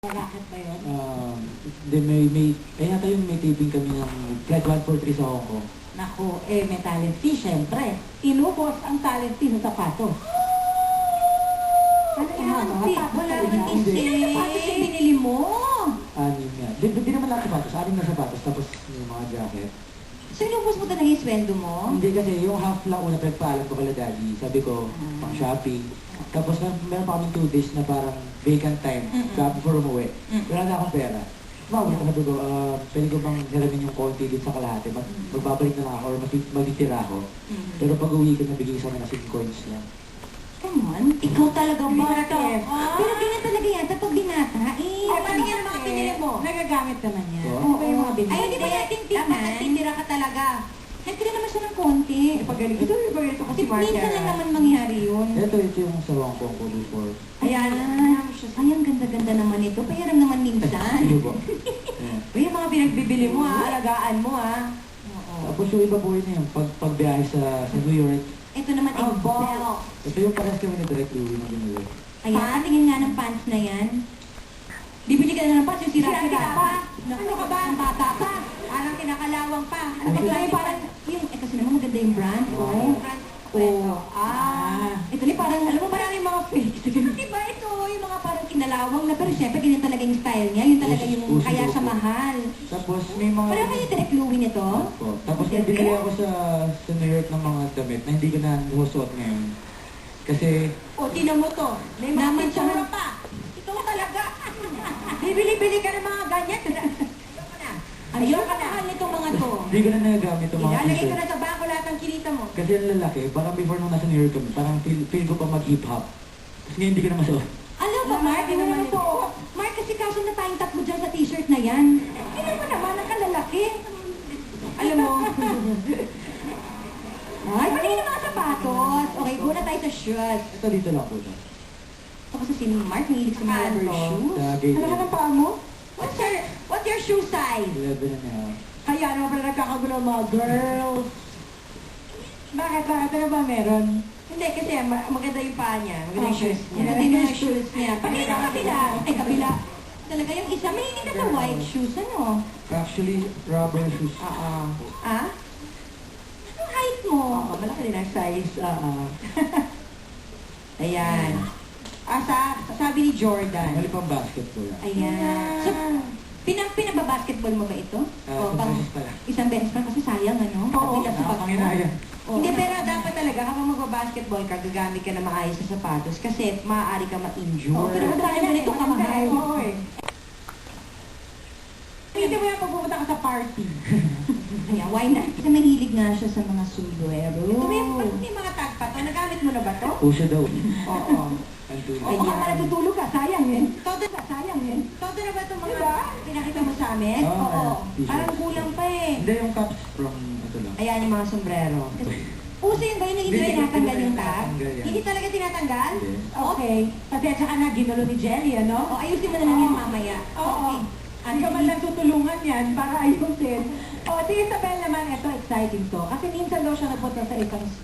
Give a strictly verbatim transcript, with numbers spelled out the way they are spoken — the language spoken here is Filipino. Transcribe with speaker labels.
Speaker 1: Racket ba yun?
Speaker 2: Um, then may, may, eh yata yung may taping kami ng Flight one four three sa Hong Kong.
Speaker 1: Naku, eh may talent fee, syempre. Inubos ang talent fee sa sapatos. Ano yan? Ano fee? Wala man
Speaker 2: Hindi.
Speaker 1: kasi. Sapatos yung binili mo.
Speaker 2: Anim nga. Di, di naman lahat sapatos. Anim na sapatos. Tapos yung mga jacket.
Speaker 1: So inubos mo talaga yung sweldo mo?
Speaker 2: Hindi kasi yung half lang una pinagpaalam ko kala daddy. Sabi ko,
Speaker 1: Ah.
Speaker 2: pang shopping. Tapos meron, meron pa kami two days na parang vacant time.
Speaker 1: Mm-mm.
Speaker 2: Kaya before umuwi.
Speaker 1: Mm.
Speaker 2: Wala na akong pera. Mawag ko sabi ko, uh, pwede ko bang hiramin yung konti dito sa kalahati. Mag, magbabalik na lang ako or mag- magtitira ako.
Speaker 1: Mm.
Speaker 2: Pero pag uwi ko, nabigay sa amin na sing coins lang.
Speaker 1: Come on, ikaw talaga bata.
Speaker 3: Ah.
Speaker 1: Pero ganyan talaga yan kapag binata. Eh,
Speaker 3: Ay, paano yan ang mga pinili mo?
Speaker 1: Nagagamit naman yan.
Speaker 2: Oo.
Speaker 1: Ano ba yung mga binili?
Speaker 3: Ay, hindi ba natin tingnan?
Speaker 1: Dapat nagtitira ka talaga. Nagtira naman siya ng konti.
Speaker 3: Pagaling. Ito yung pagaling ko
Speaker 1: Kasi
Speaker 3: si Marcia.
Speaker 1: minsan lang naman mangyari yun.
Speaker 2: Ito, ito yung sa Hong Kong ko before.
Speaker 1: Ayan. Ay, ang ganda-ganda naman ito. Payaram naman minsan.
Speaker 2: Sige po. Ayan.
Speaker 3: Uy, yung mga pinagbibili mo ha, alagaan mo ha.
Speaker 1: Oo.
Speaker 2: Tapos yung iba po yun yung pag, pagbiyahe sa, sa New York.
Speaker 1: Ito naman
Speaker 3: Oh,
Speaker 1: Excel.
Speaker 2: Ito yung parehas kami ni Direct Louie na binili.
Speaker 1: Ayan, tingin nga ng pants na yan. Bibili ka na ng pants, yung sira-sira
Speaker 3: Sira-sira
Speaker 1: pa.
Speaker 3: pa. Ano ka ba?
Speaker 1: Ang bata pa.
Speaker 3: Parang kinakalawang pa. Ano
Speaker 1: Ano
Speaker 3: ba
Speaker 1: ba
Speaker 3: tayo
Speaker 1: yung parang, yung, eh kasi naman maganda yung brand.
Speaker 2: Oo.
Speaker 1: Oh. Oh.
Speaker 3: Ah.
Speaker 1: Ito ni parang, alam mo, parang yung mga fake. Diba ito, yung mga parang kinalawang na, pero syempre, ganyan talaga yung style niya. Yun talaga yung,
Speaker 2: Uso-
Speaker 1: kaya
Speaker 2: uso
Speaker 1: siya
Speaker 2: po.
Speaker 1: mahal.
Speaker 2: Tapos may mga...
Speaker 1: Pareho kayo direct Louie nito?
Speaker 2: Opo. Tapos may binili ako sa, sa New York ng mga damit na hindi ko na husuot ngayon. Kasi
Speaker 3: O, tinan mo to. May mga
Speaker 1: Naman
Speaker 3: pintura
Speaker 1: siya.
Speaker 3: pa. Ito talaga. Bibili-bili ka ng mga ganyan. Ayoko na.
Speaker 1: Ayun ka mahal nitong mga to.
Speaker 2: hindi ko na nagagamit yung mga
Speaker 3: Ilalagay ko
Speaker 2: t-shirt.
Speaker 3: na sa bangko lahat ng kinita mo.
Speaker 2: Kasi ang lalaki, parang before nung nasa New York kami, parang feel, feel ko pa mag-hip hop. Tapos ngayon hindi ko na masuot.
Speaker 1: Alam mo, Mark,
Speaker 3: Hindi
Speaker 1: hindi
Speaker 3: naman
Speaker 1: naman
Speaker 3: ito.
Speaker 1: po. Mark, kasi kaso na tayong tatlo dyan sa t-shirt na yan. Hindi mo naman, nakalalaki.
Speaker 3: Alam mo,
Speaker 1: Ay, pati yung mga sapatos. Okay, go na tayo sa shoes.
Speaker 2: Ito dito lang po siya.
Speaker 1: Ito kasi si Mark, mahilig sa mga
Speaker 3: Ano?
Speaker 1: rubber shoes.
Speaker 2: Sa gate
Speaker 1: Ano ka
Speaker 2: end.
Speaker 1: ng paa mo?
Speaker 3: what's your, what's your shoe size?
Speaker 2: eleven and a half.
Speaker 3: Kaya naman pala nagkakagulo ang mga girls. Bakit? Bakit? Ano ba meron? Hindi, kasi ma- maganda yung paa niya. Maganda yung shoes niya.
Speaker 1: Maganda yung mga shoes niya.
Speaker 3: Pati sa kabila.
Speaker 1: Ay, kabila. Talaga yung isa, mahilig ka sa white shoes, ano?
Speaker 2: Actually, rubber shoes.
Speaker 3: Oo.
Speaker 1: Ah? Anong height mo?
Speaker 3: Oo, malaki din ang size. Oo. Ayan. Ah, sa, sabi ni Jordan.
Speaker 2: Mali pang basketball.
Speaker 1: Ayan. So, pinang pinababasketball mo ba ito?
Speaker 2: Ah,
Speaker 1: O,
Speaker 2: isang
Speaker 1: pang,
Speaker 2: beses pala.
Speaker 1: isang beses pa kasi sayang, ano?
Speaker 3: Oo,
Speaker 1: Kabila sa pag-
Speaker 2: Nakapanginaya.
Speaker 1: Oo.
Speaker 3: Hindi, pero dapat talaga kapag magbabasketball ka, gagamit ka na maayos sa sapatos kasi maaari ka ma-injure.
Speaker 1: Oo, pero magkano ganito kamahal?
Speaker 3: Oo eh. Hindi mo yan pag pupunta ka sa party.
Speaker 1: Ayan, why not? Kasi mahilig nga siya sa mga sombrero.
Speaker 3: Ito may, ba't may mga tag pa to? Nagamit mo na ba to?
Speaker 2: Puso daw.
Speaker 3: Oo.
Speaker 2: Andun.
Speaker 1: Oo, baka pala tutulog ka, sayang yun.
Speaker 3: Todo na, sayang yun. Todo na ba itong mga
Speaker 1: Diba?
Speaker 3: pinakita mo sa amin?
Speaker 2: Oo,
Speaker 3: Oo.
Speaker 2: t-shirt.
Speaker 3: Parang kulang pa eh.
Speaker 2: Hindi yung caps from ito lang.
Speaker 3: Ayan yung mga sombrero.
Speaker 1: Uso yun ba yun na hindi
Speaker 2: Hindi,
Speaker 1: tinatanggal
Speaker 2: hindi
Speaker 1: yung
Speaker 2: ko
Speaker 1: tag?
Speaker 2: tinatanggal yan.
Speaker 3: Hindi talaga tinatanggal?
Speaker 2: Yes.
Speaker 3: Okay. Pasensya ka na, ginulo ni Jelly, ano?
Speaker 1: O, ayusin mo na lang yan mamaya.
Speaker 3: Oo. Hindi ka man lang tutulungan yan para ayusin. O, si Isabel naman, ito exciting to. Kasi minsan daw siya napunta sa ibang